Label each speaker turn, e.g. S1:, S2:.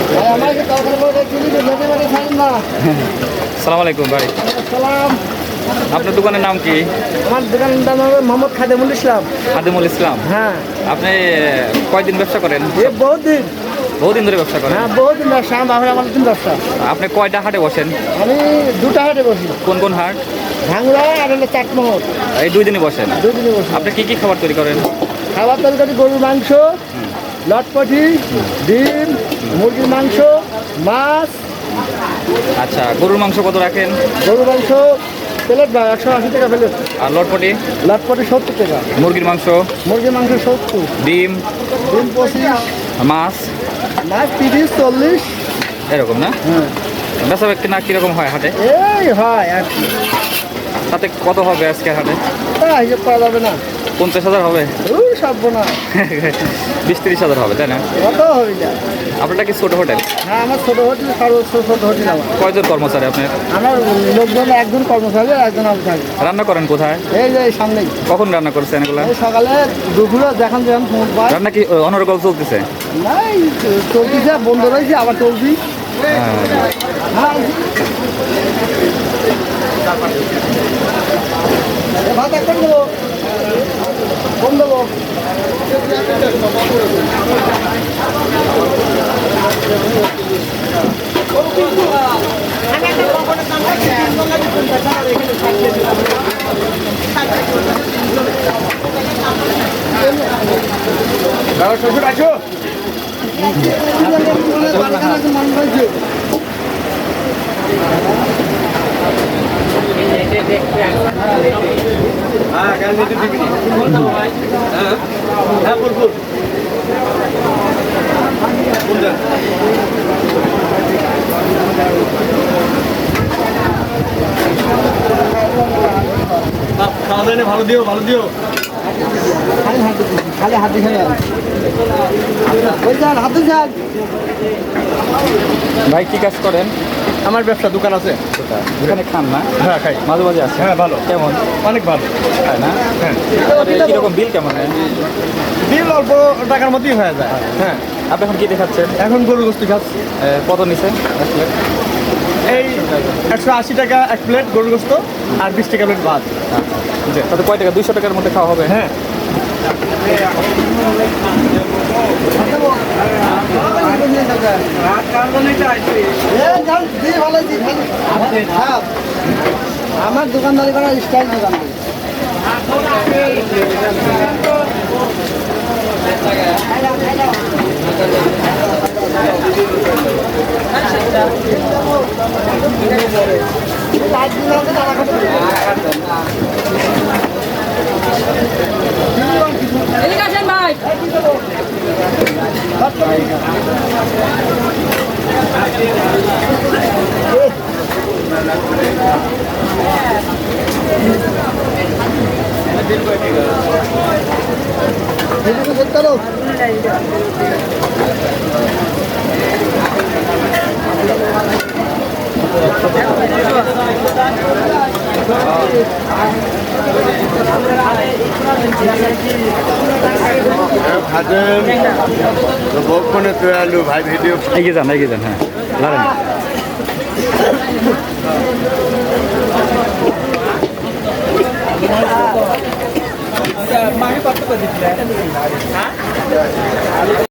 S1: সালাম আলাইকুম ভাই। আপনার দোকানের নাম কি?
S2: আমার দোকানের নাম হবে মোহাম্মদ খাদেমুল ইসলাম।
S1: খাদেমুল ইসলাম।
S2: হ্যাঁ।
S1: আপনি কয়দিন ব্যবসা করেন?
S2: বহুদিন
S1: বহুদিন ধরে ব্যবসা করেন?
S2: হ্যাঁ, বহুদিন ব্যবসা। আমার দিন ব্যবসা।
S1: আপনি কয়টা হাটে বসেন?
S2: আমি দুটা হাটে বসি।
S1: কোন কোন হাট?
S2: ভাঙড়া আর হলো চাটমোহর।
S1: এই 2 দিনই বসেন?
S2: 2 দিনই বসি।
S1: আপনি কি কি খাবার তৈরি করেন?
S2: খাবার তরকারি গরুর মাংস, লটপটি, ডিম, মুরগির মাংস, মাছ।
S1: আচ্ছা, গরুর মাংস কত রাখেন?
S2: গরুর মাংস প্লেট 180 টাকা প্লেট।
S1: আর লটপটি?
S2: লটপটি 70 টাকা।
S1: মুরগির মাংস?
S2: মুরগির মাংস 70।
S1: ডিম?
S2: ডিম 25।
S1: মাছ?
S2: মাছ 30 40
S1: এরকম না?
S2: হ্যাঁ।
S1: বেচা বিক্রি না কিরকম হয় হাটে?
S2: এই হয় আর কি।
S1: তাতে কত হবে আজকে হাটে?
S2: তা হিসেব করা যাবে না।
S1: 50,000 হবে?
S2: ওই সব না।
S1: 20-30,000 হবে, তাই না?
S2: কত হবে যা?
S1: আপনারটা কি ছোট হোটেল?
S2: হ্যাঁ, আমার ছোট হোটেল, সর্বোচ্চ ছোট হোটেল আমার।
S1: কয়জন কর্মচারী আপনার?
S2: আমার লোকজন একজন কর্মচারী, একজন আমি থাকি।
S1: রান্না করেন কোথায়?
S2: এই যে এই সামনেই।
S1: কখন রান্না করছেন এগুলা?
S2: এই সকালে দুপুরে যখন ফোন পাই।
S1: রান্না কি অনর্গল চলতেছে?
S2: নাই, চলতেছে, বন্ধ রয়েছে, আবার চলছি। হ্যাঁ। ভাত এখন দেবো, ফোন দেবো। শ্বশুর আছো?
S3: খাওয়া দাওয়া ভালো দিও, ভালো দিও।
S2: খালি হাত দিয়ে ওই যান, হাতে যান।
S1: ভাই কি কাজ করেন?
S3: আমার ব্যবসা দোকান আছে।
S1: এখানে খান না?
S3: হ্যাঁ, খাই।
S1: মাঝে মাঝে আছে?
S3: হ্যাঁ, ভালো।
S1: কেমন?
S3: অনেক ভালো।
S1: তাই না?
S3: হ্যাঁ।
S1: কিরকম বিল কেমন হয়?
S3: বিল অল্প টাকার মধ্যেই হয়ে যায়। হ্যাঁ।
S1: আপনি এখন কি দেখাচ্ছেন?
S3: এখন গরু গোস্তি খাচ্ছি।
S1: কত নিছে?
S3: এই 180 টাকা এক প্লেট গরু গোস্ত আর 20 টাকা প্লেট ভাত।
S1: তাতে কয় টাকা? 200 টাকার মধ্যে খাওয়া হবে?
S3: হ্যাঁ।
S2: আমার দোকানদারি করার স্টাইল দোকান। ভাই ভিডিও
S1: এগিয়ে যান, এগিয়ে যান। হ্যাঁ, দাঁড়ান।
S2: মাহি কত করে দিচ্ছিলে?